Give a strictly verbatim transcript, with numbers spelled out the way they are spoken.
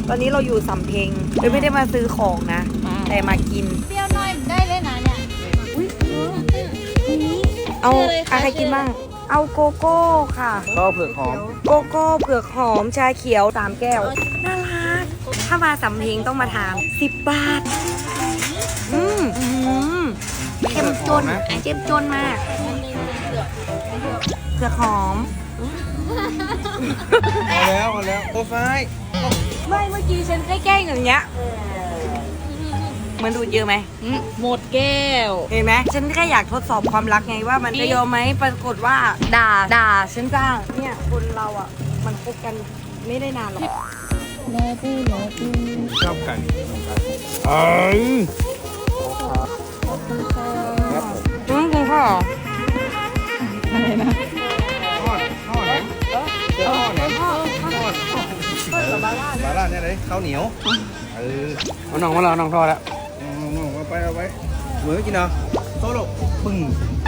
ตอนนี้เราอยู่สำเพ็งเลยไม่ได้มาซื้อของนะ แต่มากินเปรี้ยวน้อยได้เลยนะเนี่ยเอาอะไรกินบ้าง เอาโกโก้ค่ะก็เผือกหอมโกโก้เผือกหอมชาเขียวสามแก้ว น่ารัก ถ้ามาสำเพ็งต้องมาทานสิบบาท อืมอืมเจ้มจนเจ้มจนมากเผือกหอมพอแล้วพอแล้วโอ้ไฟไม่เมื่อกี้ฉันแกล้งๆอย่างเงี้ยมันดูดเยอะไหมหมดแก้วเห็นไหมฉันแค่อยากทดสอบความรักไงว่ามันจะยอมไหมปรากฏว่าด่าด่าฉันจ้างเนี่ยคนเราอ่ะ มันคบกันไม่ได้นานหรอกแม่ปูแม่ปูชอบกันเอ้ยครับผมอืมคุณพ่ออะไรนะทอดทอดนะเจ้าทอดนะทอดทอดเออบาร่าเนี่ยเลยข้าวเหนียวเออเอาน้องมาแล้วน้องทอดแล้วน้องเอาไปเอาไปเหมือนกินเนาะโต๊ะปึ้ง